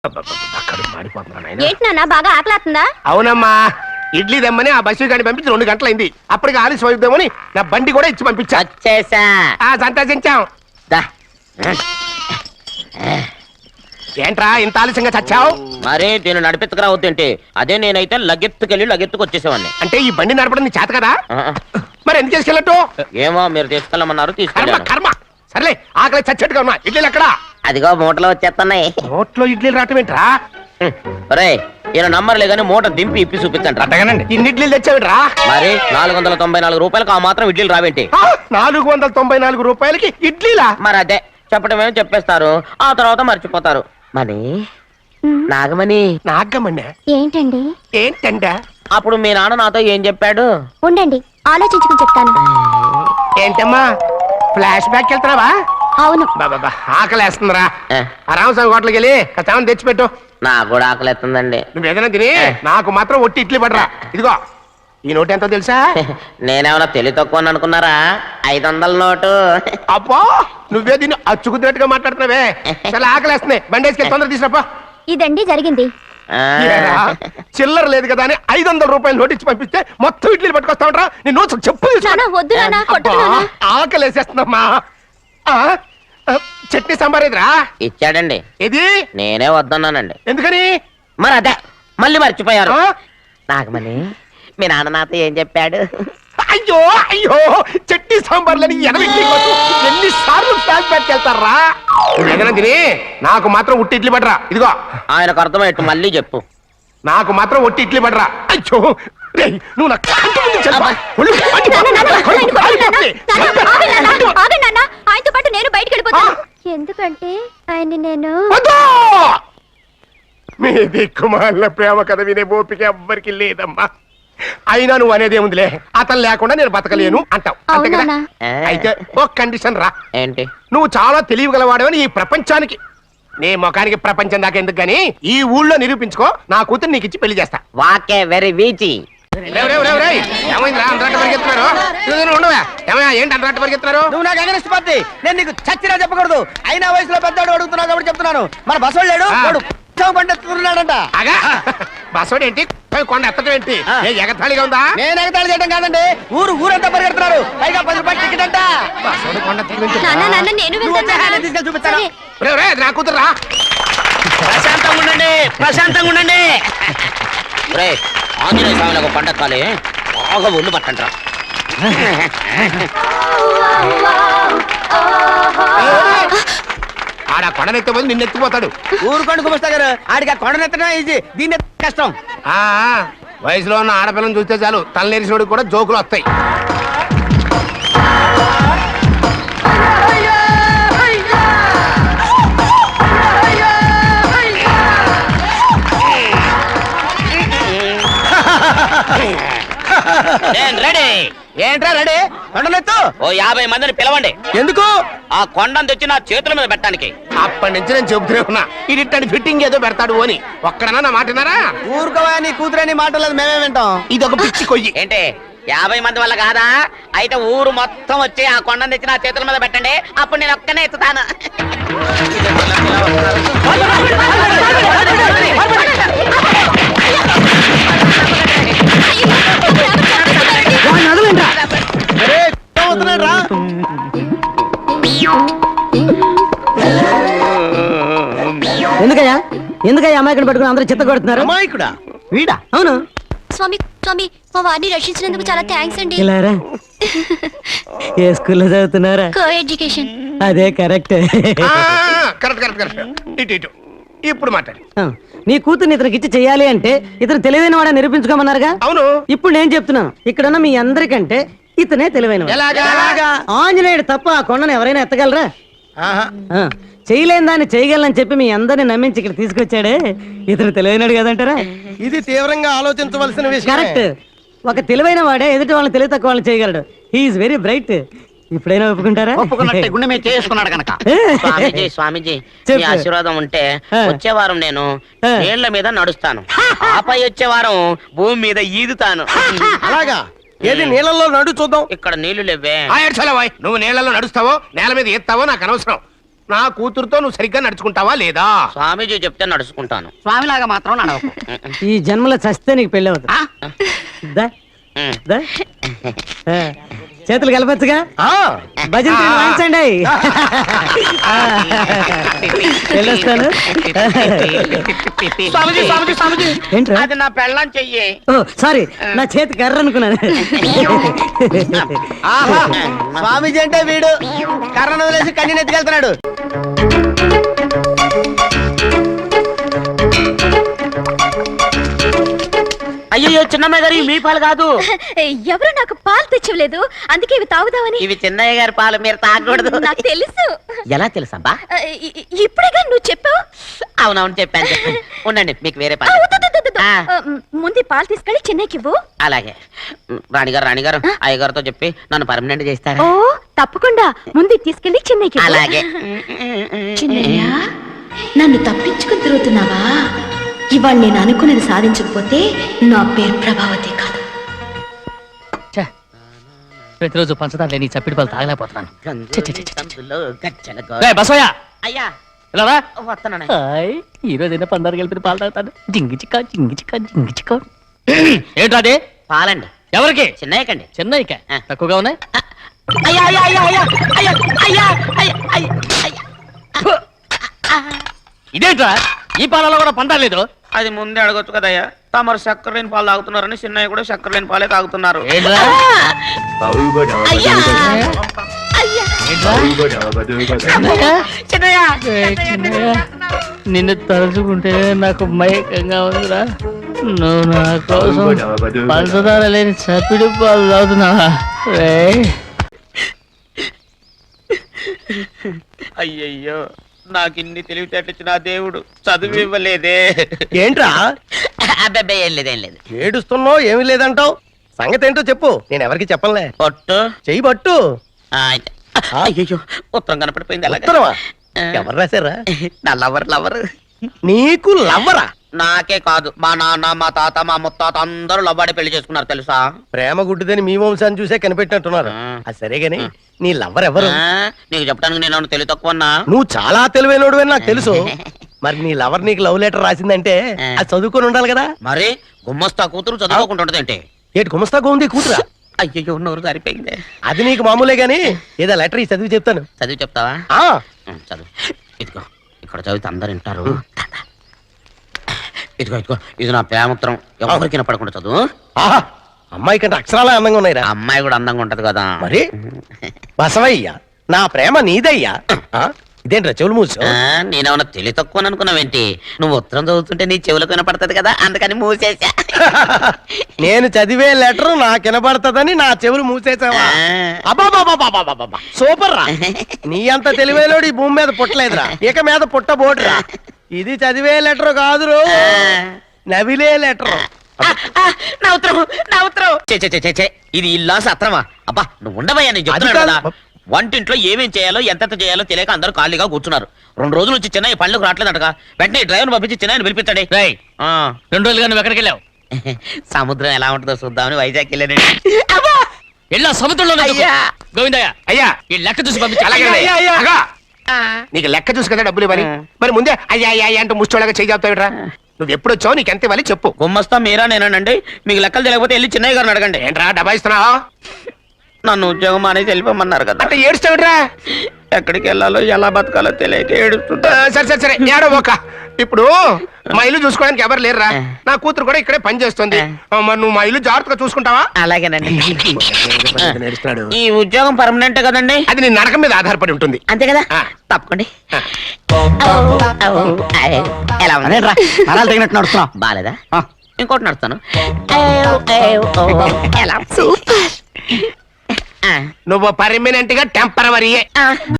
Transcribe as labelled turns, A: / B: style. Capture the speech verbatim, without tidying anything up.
A: ఏంటి నాన్న బాగా ఆకలాతుందా?
B: అవునమ్మా, ఇడ్లీ దమ్మని ఆ బస్సు గాని పంపించి రెండు గంటలైంది. అప్పటికి ఆలస్యం అవుతామని నా బండి కూడా ఇచ్చి పంపించా. సంతోషించాం. ఏంట్రా ఇంత ఆలస్యంగా చచ్చావు?
C: మరే దీన్ని నడిపెత్తుకురావద్దేంటి? అదే నేనైతే లగెత్తుకెళ్ళి లగెత్తుకు వచ్చేసేవాడిని.
B: అంటే ఈ బండి నడపడం నీ చేత కదా? మరి ఎందుకు తీసుకెళ్ళట్టు?
C: ఏమో మీరు తీసుకెళ్ళమన్నారు, తీసుకెళ్ళాను.
B: కర్మ. సర్లే, ఆకలి చచ్చేట్టుగా ఉన్నా. ఇడ్లీలు ఎక్కడా?
C: అదిగో మూటలో వచ్చేస్తున్నాయి.
B: నోట్లో ఇడ్లీలు రావటం ఏంట్రా?
C: రే ఈయన నంబర్లే గానీ మూట దింపి ఇప్పి చూపించండి.
B: అట్టగానండి. ఇన్ని ఇడ్లీలు తెచ్చావిడ్రా?
C: మరి నాలుగు వందల తొంభై నాలుగు రూపాయలకు ఆ మాత్రం ఇడ్లీలు రావేంటి?
B: నాలుగు వందల తొంభై నాలుగు రూపాయలకి ఇడ్లీలా?
C: మరి అదే చెప్పడమేమో చెప్పేస్తారు, ఆ తర్వాత మర్చిపోతారు. మరి నాగమణి
B: నాగమణి
A: ఏంటండి?
B: ఏంటండ?
C: అప్పుడు మీ నాన్న నాతో ఏం చెప్పాడు?
A: ఉండండి ఆలోచించుకుని చెప్తాను.
B: ఏంటమ్మా ఫ్లాష్ బ్యాక్ వెళ్తున్నావా?
A: అవును.
B: బాబా ఆకలేస్తుందిరా. రామస్వామి హోటల్కి వెళ్ళి కచామని తెచ్చిపెట్టు.
C: నాకు కూడా ఆకలిస్తుందండి.
B: నువ్వు ఏదైనా తిని నాకు మాత్రం ఒట్టి ఇడ్లీ పడరా. ఇదిగో ఈ నోటు ఎంతో తెలుసా?
C: నేనేమన్నా తెలివి తక్కువ అనుకున్నారా? ఐదు వందల నోటు.
B: అబ్బో నువ్వే దీన్ని అచ్చుకుతున్నట్టుగా మాట్లాడుతున్నావే. చాలా ఆకలేస్తున్నాయి, బండేసుకెళ్ళి తొందర తీసినప్పా.
A: ఇదండి జరిగింది.
B: చిల్లర లేదు కదా అని ఐదు వందల రూపాయలు నోటు ఇచ్చి పంపిస్తే మొత్తం ఇడ్లీలు పట్టుకొస్తా ఉంటా. నీ నోట్స్ చెప్పు. ఆకలేసేస్తున్నామ్మా. చట్నీ సాంబార్ ఎదురా
C: ఇచ్చాడండి.
B: ఇది
C: నేనే వద్దన్నానండి.
B: ఎందుకని?
C: మరి అదే మళ్ళీ మర్చిపోయారు. నాగమణి మీ నాన్న నాతో ఏం చెప్పాడు?
B: అయ్యో అయ్యో చట్నీ సాంబార్లని ఎన్ని సార్లు ప్యాక్ పెట్టుకెళ్తారా? ఏదైనా తిని నాకు మాత్రం ఉట్టి ఇడ్లీ పడరా. ఇదిగో
C: ఆయనకు అర్థమయ్యట్టు మళ్ళీ చెప్పు.
B: నాకు మాత్రం ఒట్టి ఇడ్లీ పడరా. అయ్యో నువ్వు
A: ఆయనతో పాటు నేను బయటకు వెళ్ళిపోతాను. ఎందుకంటే ఆయన్ని నేను
B: మీ దిక్కుమాల ప్రేమ కథ వినే ఓపిక ఎవ్వరికి లేదమ్మా. అయినా నువ్వు అనేదేముందిలే, అతను లేకుండా నేను బతకలేను అంటావు అంతే కదా? అయితే ఒక కండిషన్ రా.
C: ఏంటి?
B: నువ్వు చాలా తెలియగలవాడవని ఈ ప్రపంచానికి, నీ ముఖానికి ప్రపంచం దాకా ఎందుకు గానీ ఈ ఊళ్ళో నిరూపించుకో. నా కూతురు నీకు ఇచ్చి పెళ్లి చేస్తా.
C: వాకే వెరీ వీచి.
B: ఏమైందిరా అంతరాట పరిగెత్తున్నారు? ఉండవా ఏమయ్యా, ఏంటి అంతరాట పరిగెత్తున్నారు?
D: నువ్వు నాకు అగనిస్ట్ పార్టీ, నేను నీకు చచ్చినా చెప్పకూడదు. అయినా వయసులో పెద్దవాడు అడుగుతున్నావు కాబట్టి చెప్తున్నాను. మన బస్సు లేడు కొండెత్తున్నాడంట.
B: అగా బస్సోడు ఏంటి, కొండ ఎత్తడం ఏంటి? ఎగతాళిగా ఉందా?
D: నేను ఎగతాళి చేయడం కాదండి, ఊరు ఊరంతా పరిగెడుతున్నారు. పైగా పది రూపాయలు టికెట్ అంట.
B: బస్సోడు కొండ
D: తీసుకెళ్ళి చూపిస్తాను.
B: నా కూతురు.
C: ప్రశాంతంగా ఉండండి, ప్రశాంతంగా ఉండండి. ఆంజనేయ స్వామికి ఒక పండక్కాలి, బాగా ఒళ్ళు పట్టంటారా.
B: ఆడ కొండనెత్తే పోయి నిన్ను ఎత్తిపోతాడు.
D: ఊరు కొండ కుమస్తా గారు, ఆడికి ఆ కొండనెత్తడం ఈజీ, దీన్ని కష్టం.
B: ఆ వయసులో ఉన్న ఆడపిల్లని చూస్తే చాలు తలనేరిసినోడికి కూడా జోకులు వస్తాయి.
D: ఏంట్రా రెడీ? కొండనెత్తు.
C: ఓ యాభై మందిని పిలవండి.
D: ఎందుకు?
C: ఆ కొండను తెచ్చి నా చేతుల మీద పెట్టడానికి.
B: అప్పటి నుంచి నేను చెబుతూనే ఉన్నా, ఇది ఇట్టని ఫిట్టింగ్ ఏదో పెడతాడు అని. ఒక్కడనా నా మాటనారా?
D: ఊరుకోవా, నీ కూతురని మాటలేదు మేమే వింటాం.
B: ఇది ఒక పిచ్చి కొయ్యి.
C: ఏంటి యాభై మంది వల్ల కాదా? అయితే ఊరు మొత్తం వచ్చి ఆ కొండను తెచ్చి నా చేతుల మీద పెట్టండి, అప్పుడు నేను ఒక్కనే ఎత్తుతాను.
E: ఎందుకయ్యా ఎందుకయ్యా అమాయకుడు పట్టుకుని అందరూ చిత్త కొడుతున్నారు?
D: అమాయకుడా?
E: వీడా? అవును.
A: స్వామి స్వామి మా వారిని రక్షించినందుకు చాలా థ్యాంక్స్ అండి.
E: ఇలారా ఏ స్కూల్లో చదువుతున్నారా?
A: Co education.
E: అదే కరెక్ట్.
B: Correct correct correct. ఇటు ఇటు ఇప్పుడు మాట్లాడి.
E: నీ కూతుర్ని ఇతనికి ఇచ్చి చెయ్యాలి అంటే ఇతను తెలివైన వాడని నిరూపించుకోమన్నారుగా.
B: అవును.
E: ఇప్పుడు నేను చెప్తున్నాను, ఇక్కడున్న మీ అందరికంటే ఇతనే తెలివైన. ఆంజనేయుడు తప్ప ఆ కొండను ఎవరైనా ఎత్తగలరా? చేయలేని దాన్ని చేయగలనని చెప్పి మీ అందరిని నమ్మించి ఇక్కడ తీసుకొచ్చాడే, ఇతను తెలివైనడు కదంటారా?
D: ఇది తీవ్రంగా ఆలోచించవలసిన విషయం.
E: కరెక్ట్. ఒక తెలివైన వాడే ఎదుటి వాళ్ళని తెలివి తక్కువ వాళ్ళని చేయగలడు. He's very bright. ఇప్పుడైనా ఒప్పుకుంటారా?
C: ఒప్పుకున్నట్టే, గుండె మీద చేసుకున్నాడు కనుక. స్వామీజీ స్వామీజీ మీ ఆశీర్వాదం ఉంటే వచ్చే వారం నేను నీళ్ల మీద నడుస్తాను, ఆపై వచ్చే వారం భూమి మీద ఈదుతాను.
D: అలాగా? ఏది నీళ్ళలో నడు చూద్దాం.
C: ఇక్కడ నీళ్లు లేవే.
B: నువ్వు నీళ్లలో నడుస్తావో నేల మీద ఎత్తావో నాకు అనవసరం. నా కూతురుతో నువ్వు సరిగ్గా నడుచుకుంటావా లేదా?
C: స్వామీజీ చెప్తే నడుచుకుంటాను.
D: స్వామిలాగా మాత్రం నడవకు.
E: ఈ జన్మలో చస్తే నీకు పెళ్ళి అవుతుంది. దా,
C: ఉమ్.
E: దా. ఆ, చేతులు కలపచ్చుగా,
B: ఆ,
E: భజన తీరు వాయించండి. వెళ్ళొస్తాను.
C: స్వామీజీ స్వామీజీ స్వామీజీ
E: ఏంట్రా?
C: అది నా పెళ్ళం చెయ్యి.
E: ఓ సారీ, నా చేతి కర్ర అనుకున్నాను.
D: ఆహా, స్వామీజీ అంటే వీడు కర్రను వదిలేసి కన్నీ ఎత్తుకెళ్తున్నాడు.
C: అయ్యో చిన్నమ్మాయి గారు ఇవి మీ పాలు కాదు.
A: ఎవరు నాకు పాలు తెచ్చివ్వలేదు, అందుకే ఇవి తాగుదామని.
C: ఇవి చిన్నయ్య గారి పాలు, మీరు తాగకూడదు.
A: నాకు తెలుసు.
C: ఎలా తెలుసబ్బా?
A: ఇ- ఇ- ఇప్పుడేగా నువ్వు చెప్పావు.
C: అవునవును చెప్పాను చెప్పాను. ఉండండి మీకు వేరే
A: ఆ,
C: పాలు.
A: వద్దు, వద్దు, వద్దు, వద్దు.
C: ఆ.
A: ఆ, ముందు ఈ పాలు తీసుకెళ్ళి చెన్నైకి ఇవ్వు.
C: అలాగే రాణిగారు రాణిగారు అయ్యగారితో చెప్పి నన్ను పర్మనెంట్ చేస్తారా?
A: ఓ తప్పకుండా, ముందు ఇది తీసుకెళ్ళి చెన్నైకి ఇవ్వు.
C: అలాగే.
A: చిన్నయ్య, నన్ను తప్పించుకుని తిరుగుతున్నావా? ఇవాళ నేను అనుకున్నది సాధించకపోతే నా పేరు ప్రభావతి కాదు.
F: ప్రతిరోజు పంచదార లేని ఈ చప్పిడి పాలు తాగలేకపోతున్నాను. ఛీ, ఛీ, ఛీ, ఛీ.
C: గంతులు గజ్జల గో-
F: రేయ్, బసవయ్య
C: అయ్యా
F: ఇలా రా.
C: వస్తున్నాను.
F: హాయ్, ఈ రోజు అయినా పందారు కలిపి పాలు తాగుతాను. జింగి చిక్క జింగి చిక్క జింగి చిక్క. ఏంట్రా అది?
C: పాలండి.
F: ఎవరికి?
C: చిన్నయ్యకండి.
F: చెన్నైకా?
C: ఆ.
F: తక్కువగా ఉన్నాయి.
C: అయ్యా అయ్యా అయ్యా అయ్యా అయ్యా అయ్యా అయ్యా అయ్యా అయ్యా.
F: ఇదేంట్రా, ఈ పాలలో కూడా పందారు లేదు?
C: అది ముందే అడగొచ్చు కదయ్యా. తమరు చక్కెర లేని పాలు తాగుతున్నారని చిన్నయ్య కూడా చక్కెర లేని పాలే తాగుతున్నారు.
F: ఏంట్రా?
A: అయ్యా, అయ్యా.
F: ఏంట్రా?
C: చిన్నయ్య
F: ఏయ్, చిన్నయ్య, నిన్ను తలుచుకుంటే నాకు మైకంగా ఉందిరా. నువ్వు నా కోసం పంచదార లేని చప్పిడి పాలు తాగుతున్నావా? రేయ్,
C: అయ్యయ్యో, నాకు ఇన్ని తెలివితేటచ్చిన దేవుడు చదువు ఇవ్వలేదే.
B: ఏంట్రా
C: అబ్బాయి ఏం లేదు ఏం లేదు.
B: ఏడుస్తున్నావు? ఏమీ లేదంటావు. సంగతి ఏంటో చెప్పు, నేను ఎవరికి చెప్పనులే.
C: పొట్టు
B: చెయ్యి పట్టు.
C: ఆ, అయితే. అయ్యయ్యో, ఉత్తరం కనపడిపోయింది. అలాగే
B: ఉత్తరమా? ఎవరు రాశారా?
C: నా లవర్ లవర్.
B: నీకు లవ్వరా?
C: నాకే కాదు, మా నాన్న మా తాత మా ముత్తాత అందరూ లవ్వాడి పెళ్లి చేసుకున్నారు తెలుసా?
B: ప్రేమ గుడ్డిదని మీ వంశాన్ని చూసే కనిపెట్టినట్టున్నారు.
C: ఆ.
B: అది సరే గాని నీ లవ్వర్ ఎవరు?
C: ఆ, నీకు చెప్పడానికి నేను తెలివి తక్కువన్నా?
B: నువ్వు చాలా తెలివైనడు అని నాకు తెలుసు. మరి నీ లవర్ నీకు లవ్ లెటర్ రాసిందంటే అది చదువుకొని ఉండాలి కదా.
C: మరి గుమ్మస్తా కూతురు చదువుకుంటుంటది ఏంటి?
B: ఏటి గుమస్తాగా ఉంది కూతురా?
C: అయ్యయ్యో, నోరు సరిపోయింది.
B: అది నీకు మామూలే గాని ఏదో లెటర్ ఈ చదివి చెప్తాను.
C: చదివి చెప్తావా?
B: ఆ
C: ఉం, చదువు. ఇదిగో ఇక్కడ చదివితే అందరు వింటారు. ఇదిగో ఇదిగో ఇది నా ప్రేమత్రం. ఎవరికి వినపడకుండా చదువు.
B: ఆహా, అమ్మాయి కంటే అక్షరాలే అందంగా ఉన్నాయిరా.
C: ఆ అమ్మాయి కూడా అందంగా ఉంటది కదా.
B: మరి బసవయ్య, నా ప్రేమ నీదయ్యా. ఆ, ఇదేంట్రా చెవులు మూసు?
C: ఆ, నేనేమన్నా తెలివి తక్కువ అనుకున్నావేంటి? నువ్వు ఉత్తరం చదువుతుంటే నీ చెవులకు వినపడుతుంది కదా, అందుకని మూసేసా.
B: నేను చదివే లెటర్ నాకు వినబడతదని నా చెవులు మూసేసావా? అబాబాబాబాబాబాబా, సూపర్ రా. నీ అంత తెలివేలోడు ఈ భూమి మీద పుట్టలేదురా, ఇక మీద పుట్టబోడురా. ఇది చదివే లెటర్ కాదురు, నవిలే లెటర్.
C: నా ఉత్తరం నా ఉత్తరం. చే చే, చే, చే, చే. ఇది ఇల్లా సత్రమా? అబ్బా నువ్వు ఉండవయ్యా, నేను చెప్తున్నాను
B: అది
C: కదా.
B: కాదు.
C: వంటింట్లో ఏమేం చేయాలో ఎంతెంత చేయాలో తెలియక అందరూ ఖాళీగా కూర్చున్నారు. రెండు రోజుల నుంచి చిన్న పళ్ళకు రావట్లేదటగా. వెంటనే డ్రైవర్ పంపించి చిన్న పిలిపించండి.
F: రేయ్,
C: ఆ,
F: రెండు రోజులుగా నువ్వు ఎక్కడికి వెళ్ళావు?
C: సముద్రం ఎలా ఉంటుందో చూద్దామని వైజాగ్ వెళ్ళానండి.
F: వెళ్ళా సముద్రంలో
C: అయ్యా.
F: గోవిందయ్య,
B: అయ్యా,
F: ఈ లెక్క చూసి పంపించి.
B: అలాగే
F: అలాగే
B: అయ్యా, అగా.
C: ఆ,
B: నీకు లెక్క చూసి కదా డబ్బులు ఇవ్వాలి.
C: ఆ.
B: మరి ముందే అయ్యా అయ్యా అయ్యా అంటూ ముష్టోళ్ళగా చేయి చెప్తావిట్రా. నువ్వు ఎప్పుడు వచ్చావు, నీకు ఎంత ఇవ్వాలి చెప్పు.
C: గుమ్మస్తా మీరా నేనండి. మీకు లెక్కలు తెలియకపోతే వెళ్ళి చిన్నయ్య గారిని అడగండి.
B: ఏంట్రా డబ్బా ఇస్తున్నావా?
C: నన్ను ఉద్యోగం అనేది వెళ్ళిపోమన్నారు కదా.
B: అంటే ఏడుస్తావిట్రా.
C: ఎక్కడికి వెళ్ళాలో ఎలా బతకాలో తెలియక ఏడుస్తుంటా.
B: సరే సరే సరే ఏడో ఒక. ఇప్పుడు మా ఇల్లు చూసుకోవడానికి ఎవరు లేరురా. నా కూతురు కూడా ఇక్కడే పని చేస్తుంది. ఆ, మరి నువ్వు మా ఇల్లు జాగ్రత్తగా చూసుకుంటావా?
C: అలాగేనండి.
B: నేర్చున్నాడు.
C: ఈ ఉద్యోగం పర్మనెంట్ కదండి?
B: అది నీ నరకం మీద ఆధారపడి ఉంటుంది.
C: అంతే కదా.
B: ఆ.
C: తప్పకండి.
B: ఆ.
C: ఎలా ఉంది?
D: అదేంట్రా, నరాలు తగినట్టు నడుస్తున్నావు.
C: బాలేదా?
D: ఆ.
C: ఇంకోటి నడుస్తాను. ఎలా?
A: సూపర్.
C: ఆ.
B: నువ్వు పర్మనెంట్ గా టెంపరవరీయే.
C: ఆ.